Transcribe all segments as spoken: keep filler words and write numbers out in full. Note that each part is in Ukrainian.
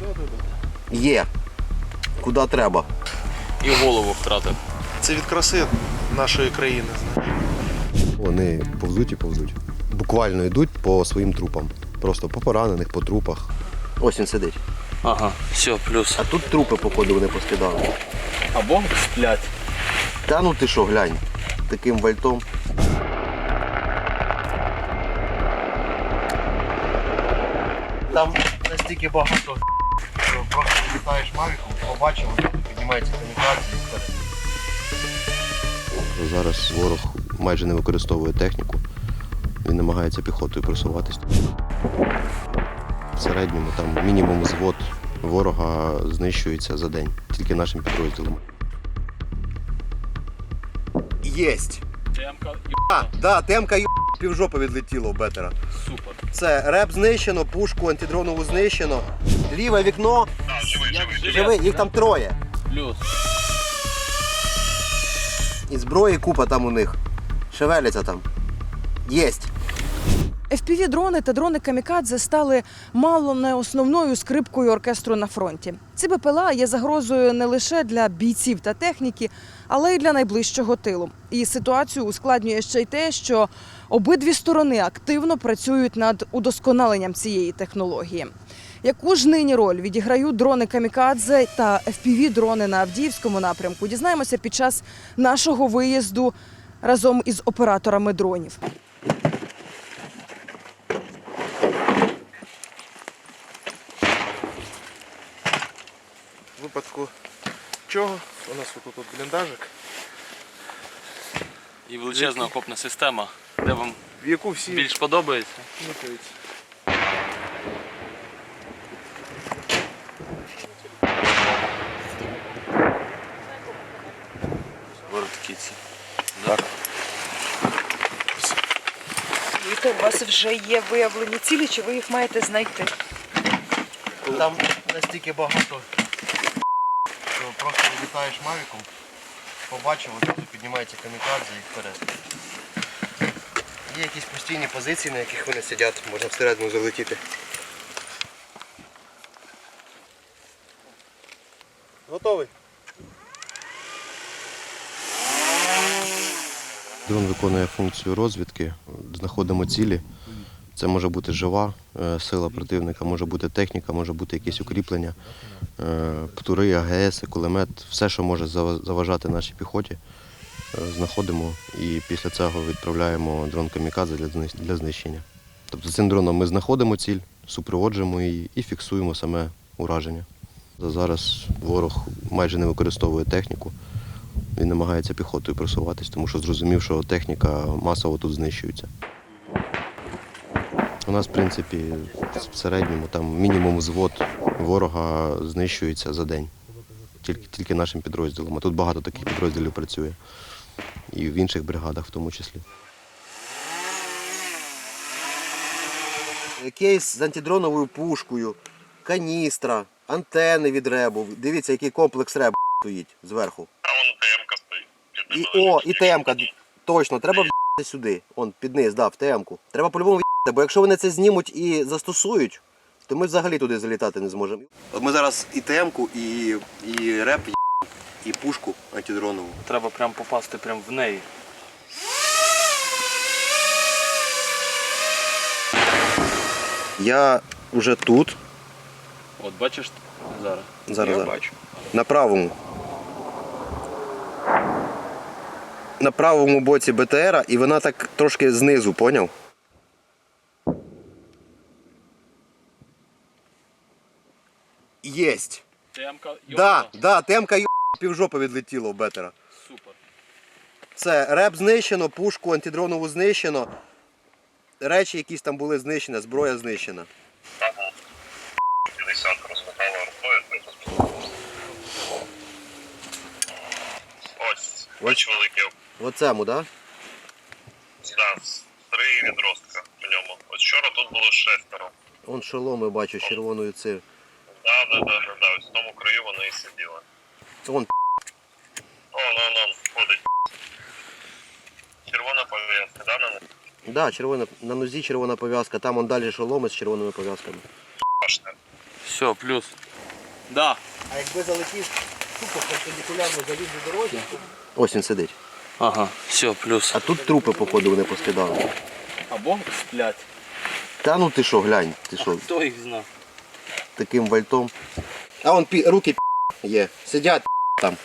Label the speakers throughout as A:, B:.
A: Є. Куди треба.
B: І голову втратив.
C: Це від краси нашої країни.
D: Вони повзуть і повзуть. Буквально йдуть по своїм трупам. Просто по поранених, по трупах.
A: Ось він сидить.
B: Ага, все, плюс.
A: А тут трупи, походу, вони поскидали.
B: Або сплять.
A: Та ну ти що, глянь, таким вальтом. Там настільки багато, що просто літаєш мавіком, побачив, піднімається камікадзе і вперед.
D: Зараз ворог майже не використовує техніку. Він намагається піхотою просуватись. В середньому там мінімум взвод ворога знищується за день, тільки нашим підрозділом.
A: Єсть!
B: Темка,
A: А, да, темка й півжопи відлетіло у бетера.
B: супер.
A: Це реп знищено, пушку антидронову знищено. Ліве вікно. Живий, їх там троє.
B: Плюс.
A: І зброї купа там у них. Шевеляться там. Єсть.
E: еф пі ві-дрони та дрони камікадзе стали мало не основною скрипкою оркестру на фронті. Ці бе пе ел а є загрозою не лише для бійців та техніки, але й для найближчого тилу. І ситуацію ускладнює ще й те, що обидві сторони активно працюють над удосконаленням цієї технології. Яку ж нині роль відіграють дрони камікадзе та еф пі ві-дрони на Авдіївському напрямку, дізнаємося під час нашого виїзду разом із операторами дронів.
C: В випадку чого? У нас тут, тут бліндажик,
B: І величезна окопна система, де вам
C: в яку всі
B: більш подобається.
C: микаються.
B: Воротки. Так.
E: Віта, у вас вже є виявлені цілі, чи ви їх маєте знайти?
A: Там настільки багато, що просто літаєш мавіком, побачив, одразу піднімається камікадзе і вперед. Є якісь постійні позиції, на яких вони сидять, можна всередину залетіти. Готовий?
D: Дрон виконує функцію розвідки, знаходимо цілі. Це може бути жива е, сила противника, може бути техніка, може бути якісь укріплення, е, птури, а ге ес, кулемет, все, що може заважати нашій піхоті, е, знаходимо і після цього відправляємо дрон камікадзе для, для знищення. Тобто цим дроном ми знаходимо ціль, супроводжуємо її і фіксуємо саме ураження. Зараз ворог майже не використовує техніку. Він намагається піхотою просуватись, тому що зрозумів, що техніка масово тут знищується. У нас, в принципі, в середньому там мінімум взвод ворога знищується за день, тільки, тільки нашим підрозділом. А тут багато таких підрозділів працює. І в інших бригадах в тому числі.
A: Кейс з антидроновою пушкою, каністра, антени від ребу. Дивіться, який комплекс ребу стоїть зверху.
F: А вон ТМ-ка стоїть.
A: І, о, і ТМ-ка, точно, треба в'їхати сюди. Он, під низ, да, в ТМ-ку. Треба по-любому в'їхати, бо якщо вони це знімуть і застосують, то ми взагалі туди залітати не зможемо. От ми зараз і ТМ-ку, і, і реп, і пушку антидронову.
B: Треба прям попасти прям в неї.
A: Я вже тут.
B: От бачиш зараз?
A: Зараз,
B: Я
A: зараз.
B: бачу.
A: На правому. На правому боці бе те ера, і вона так трошки знизу, поняв? Єсть.
B: Темка,
A: Да, да, темка й півжопи відлетіло у бетера.
B: Супер.
A: Це реп знищено, пушку антидронову знищено. Речі якісь там були знищені, зброя знищена.
F: п'ятдесят розмотала рукою. Ось, ось великий.
A: Оцему, так?
F: Да, три відростка в ньому. Ось вчора тут було шестеро.
A: Он шоломи бачу з червоною цим.
F: Да, да, да, да, да. Ось в тому краю воно і сиділо.
A: Вон
F: О, ну, ну, ходить. Червона пов'язка, да, на них?
A: да, червона, на нозі червона пов'язка, там он далі шоломи з червоними пов'язками.
F: Башня.
B: Все, плюс. Да.
A: А якби залетів тупо перпендикулярно заліз до дорозі, ось він сидить.
B: Ага, все, плюс.
A: А тут трупи, походу, вони поскидали.
B: Або сплять.
A: Та ну ти що, глянь, ти що,
B: Хто їх знав?
A: таким вальтом. А вон пі... руки пі... є. Сидять пі... там.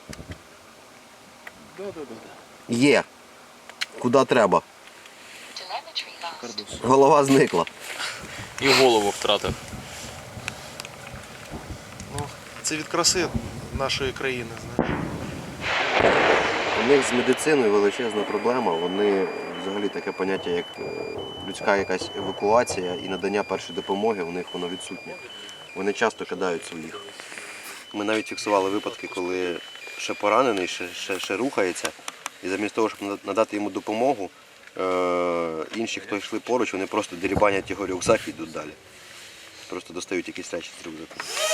A: Є. Куди треба. Голова зникла.
B: І голову втратив.
C: Ну, це від краси нашої країни, знаєш.
A: У них з медициною величезна проблема. Вони взагалі таке поняття, як е, людська якась евакуація і надання першої допомоги, у них воно відсутнє. Вони часто кидають своїх. Ми навіть фіксували випадки, коли ще поранений, ще, ще, ще рухається, і замість того, щоб надати йому допомогу, е, інші, хто йшли поруч, вони просто дерибанять його рюкзак і йдуть далі. Просто достають якісь речі з рюкзаку.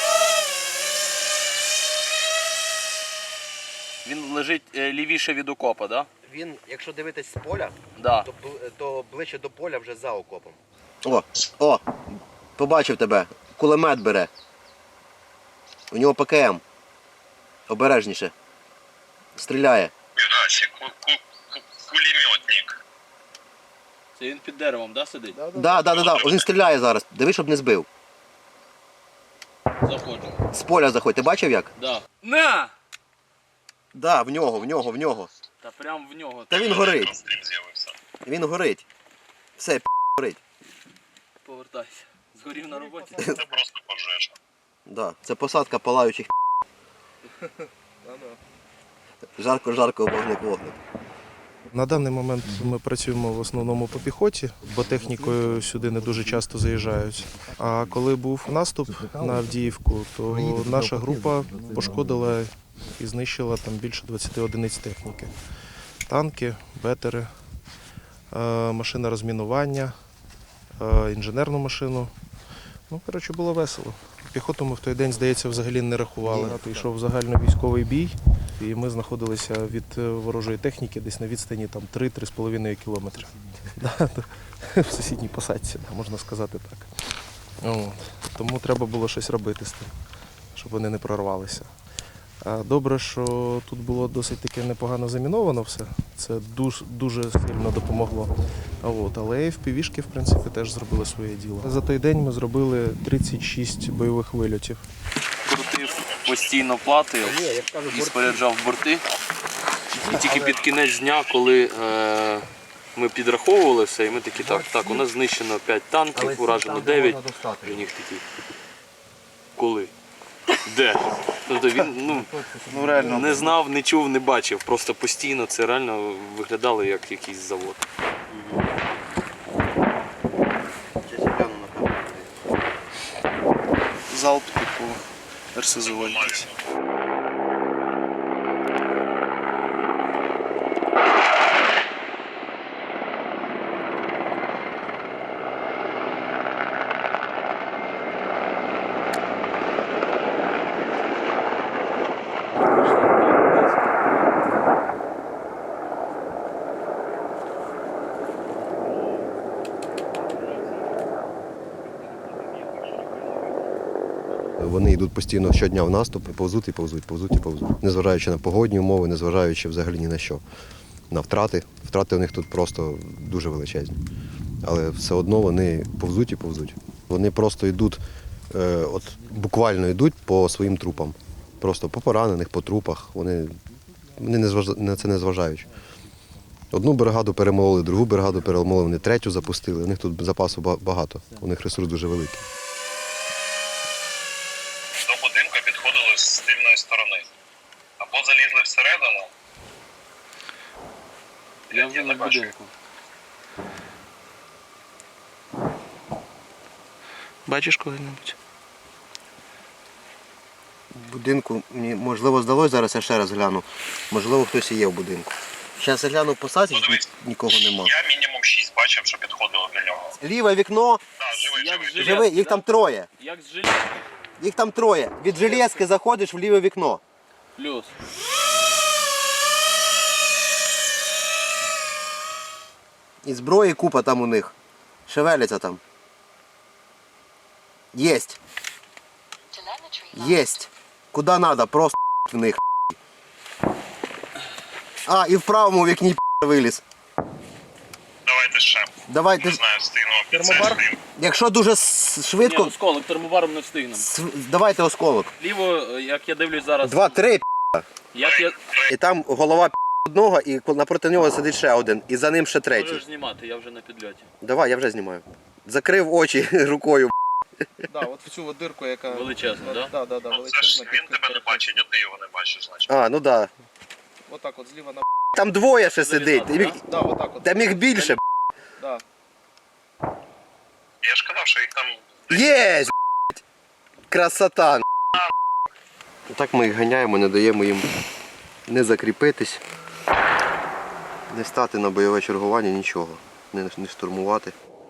B: Він лежить е, лівіше від окопа, да?
A: Він, якщо дивитись з поля,
B: Да.
A: то, то ближче до поля вже за окопом. О, о, побачив тебе. Кулемет бере. У нього Пе Ке Ем. Обережніше. Стріляє.
F: Мігасі, кулеметник.
B: Це він під деревом, да, сидить?
A: Да, да, да, да. Він стріляє зараз. Диви, щоб не збив.
B: Заходжу.
A: З поля заходь. Ти бачив як?
B: Да. На!
A: Да, в нього, в нього, в нього.
B: Та прям в нього.
A: Та він горить.
F: Стрім з'явився.
A: Він горить. Все, п*** горить.
B: Повертайся. Згорів на роботі.
F: Це просто пожежа.
A: Да. Це посадка палаючих п***. Жарко-жарко, вогник-вогник.
C: На даний момент ми працюємо в основному по піхоті, бо технікою сюди не дуже часто заїжджають. А коли був наступ на Авдіївку, то наша група пошкодила і знищила там більше двадцяти одиниць техніки. Танки, бетери, е, машина розмінування, е, інженерну машину. Ну, коротше, було весело. Піхоту ми в той день, здається, взагалі не рахували. Йшов загальновійськовий бій, і ми знаходилися від ворожої техніки десь на відстані там три-три з половиною кілометри. В сусідній посадці, можна сказати так. От. Тому треба було щось робити з тим, щоб вони не прорвалися. А добре, що тут було досить таке непогано заміновано все. Це дуже, дуже сильно допомогло. А от, але еф пі ві-шки, в принципі, теж зробили своє діло. За той день ми зробили тридцять шість бойових вильотів.
B: Крутив постійно плати і споряджав борти. І тільки під кінець дня, коли е, ми підраховували все, і ми такі, так, так, у нас знищено п'ять танків, уражено дев'ять. І у них такі, коли? Де? Тобто він ну,
A: Ну, реально.
B: не знав, не чув, не бачив. Просто постійно це реально виглядало як якийсь завод.
C: Залп типу ер ес зет якийсь.
D: Вони йдуть постійно щодня в наступ, і повзуть і повзуть, повзуть і повзуть. Незважаючи на погодні умови, незважаючи взагалі ні на що. На втрати. Втрати у них тут просто дуже величезні. Але все одно вони повзуть і повзуть. Вони просто йдуть, е, от буквально йдуть по своїм трупам. Просто по поранених, по трупах. Вони, вони не зваж... на це не зважають. Одну бригаду перемололи, другу бригаду перемололи, вони третю запустили. У них тут запасу багато, у них ресурс дуже великий.
F: До будинку підходили з тильної сторони. Або залізли всередину.
B: Я вже на будинку.
C: Бачиш коли-небудь?
A: В будинку, мені можливо здалося, зараз я ще раз гляну. Можливо, хтось і є в будинку. Зараз я гляну в посадці,
F: Ну, дивись,
A: нікого нема.
F: Я мінімум шість бачив, що підходили до нього.
A: Ліве вікно,
F: Так, живий,
B: Як
F: живий.
B: жилет,
A: живи, їх
B: да?
A: там троє.
B: Як з железки.
A: Їх там троє. Від железки заходиш в ліве вікно.
B: Плюс.
A: І зброї купа там у них. Шевеляться там. Єсть. Єсть. Куди треба, просто в них. А, і в правому вікні виліз.
F: Давайте ще.
A: Давайте.
F: Не знаю, встигнемо під це
B: Термобар?
F: встигнемо.
A: Якщо дуже с- швидко,
B: осколок, термобаром не встигнемо.
A: с- давайте осколок.
B: Ліво, як я дивлюсь зараз,
A: Два, три,
B: як я
A: і там голова одного, і напроти нього сидить ще один, і за ним ще третій.
B: можеш знімати, я вже на підльоті.
A: Давай, я вже знімаю. Закрив очі рукою.
C: Да, от в цю от дирку, яка
B: Величезно, так?
C: да, да, да,
F: Ну це ж він тебе не бачить, а ти його не бачиш, значить.
A: А, ну да.
C: Отак от зліва на
A: Там двоє ще сидить.
B: Залізати,
A: Міг-
C: да, отак от.
A: Там їх більше.
C: Да.
F: Я ж казав, що їх там
A: Єсть! Красота! Так ми їх ганяємо, не даємо їм не закріпитись, не стати на бойове чергування, нічого, не, не штурмувати.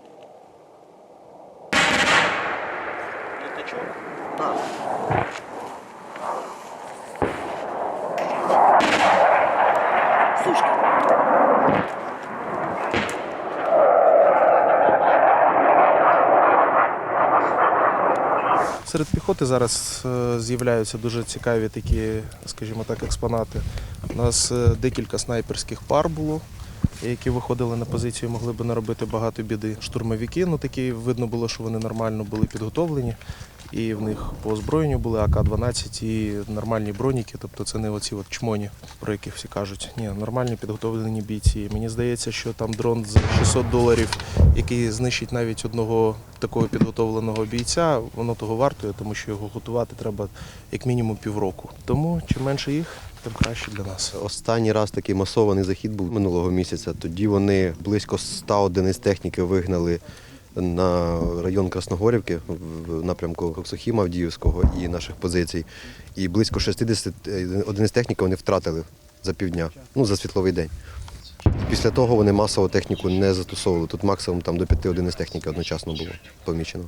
C: Серед піхоти зараз е, з'являються дуже цікаві такі, скажімо так, експонати. У нас е, декілька снайперських пар було, які виходили на позицію, могли б наробити багато біди. Штурмовики, ну такі видно було, що вони нормально були підготовлені. І в них по озброєнню були А К дванадцять і нормальні броніки, тобто це не оці от чмоні, про яких всі кажуть. Ні, нормальні підготовлені бійці. Мені здається, що там дрон за шістсот доларів, який знищить навіть одного такого підготовленого бійця, воно того вартує, тому що його готувати треба як мінімум півроку. Тому чим менше їх, тим краще для нас.
D: Останній раз такий масований захід був минулого місяця. Тоді вони близько ста одиниць техніки вигнали на район Красногорівки в напрямку Коксохіма Авдіївського і наших позицій. І близько шістдесят одиниць техніки вони втратили за півдня, ну за світловий день. І після того вони масово техніку не застосовували. Тут максимум там до п'яти одиниць техніки одночасно було помічено.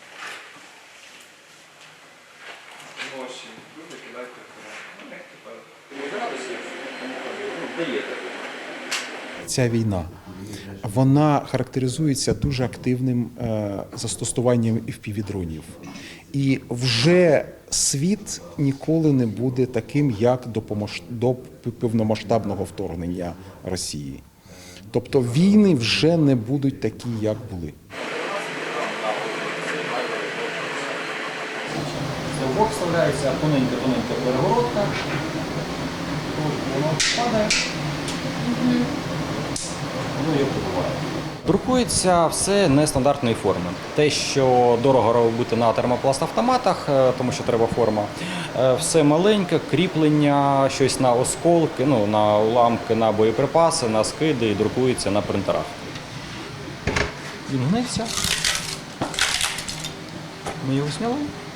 G: Ця війна, вона характеризується дуже активним е, застосуванням еф пі ві-дронів. І вже світ ніколи не буде таким, як до, помаш... до повномасштабного вторгнення Росії. Тобто війни вже не будуть такі, як були.
H: В бок вставляється тоненька-тоненька перегородка. Воно падає. Воно його побуває. Друкується все нестандартної форми. Те, що дорого робити на термопласт-автоматах, тому що треба форма, все маленьке, кріплення, щось на осколки, ну, на уламки, на боєприпаси, на скиди і друкується на принтерах. Він гнеться. Ми його зняли.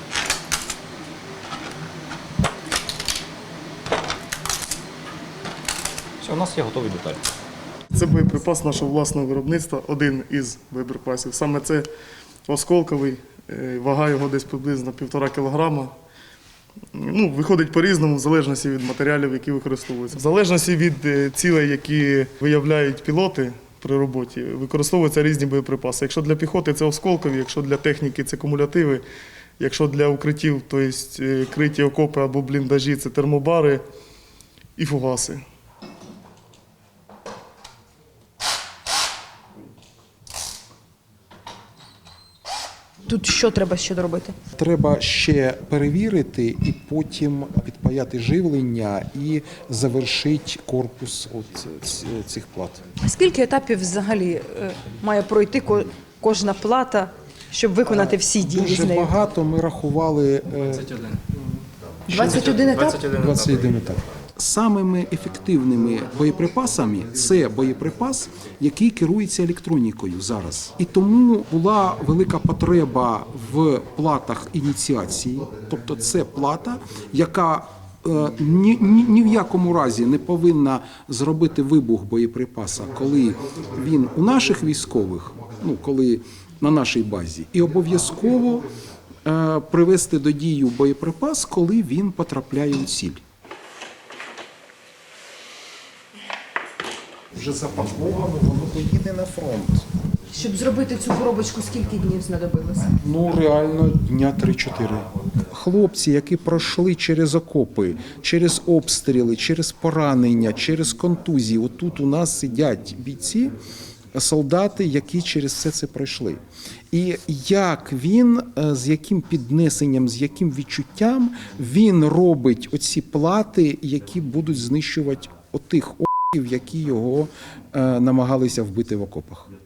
H: Все, у нас є готові деталі.
I: Це боєприпас нашого власного виробництва, один із боєприпасів. Саме це осколковий, е, вага його десь приблизно півтора кілограма. Ну, виходить по-різному, в залежності від матеріалів, які використовуються. В залежності від е, цілей, які виявляють пілоти при роботі, використовуються різні боєприпаси. Якщо для піхоти це осколкові, якщо для техніки це кумулятиви, якщо для укриттів, тобто е, криті окопи або бліндажі, це термобари і фугаси.
E: Тут що треба ще доробити?
G: Треба ще перевірити і потім підпаяти живлення і завершити корпус от ц- цих плат.
E: Скільки етапів взагалі е, має пройти ко- кожна плата, щоб виконати всі дії з
G: Дуже
E: нею?
G: багато ми рахували е,
E: двадцять один етап?
G: двадцять один етап. Самими ефективними боєприпасами це боєприпас, який керується електронікою зараз. І тому була велика потреба в платах ініціації, тобто це плата, яка е, ні, ні, ні в якому разі не повинна зробити вибух боєприпаса, коли він у наших військових, ну коли на нашій базі, і обов'язково е, привести до дію боєприпас, коли він потрапляє у ціль. Вже запаковано, воно поїде на фронт.
E: Щоб зробити цю коробочку, скільки днів знадобилося?
G: Ну, реально, дня три-чотири. хлопці, які пройшли через окопи, через обстріли, через поранення, через контузії. Отут у нас сидять бійці, солдати, які через все це пройшли. І як він, з яким піднесенням, з яким відчуттям він робить оці плати, які будуть знищувати отих о**ів, які його намагалися вбити в окопах.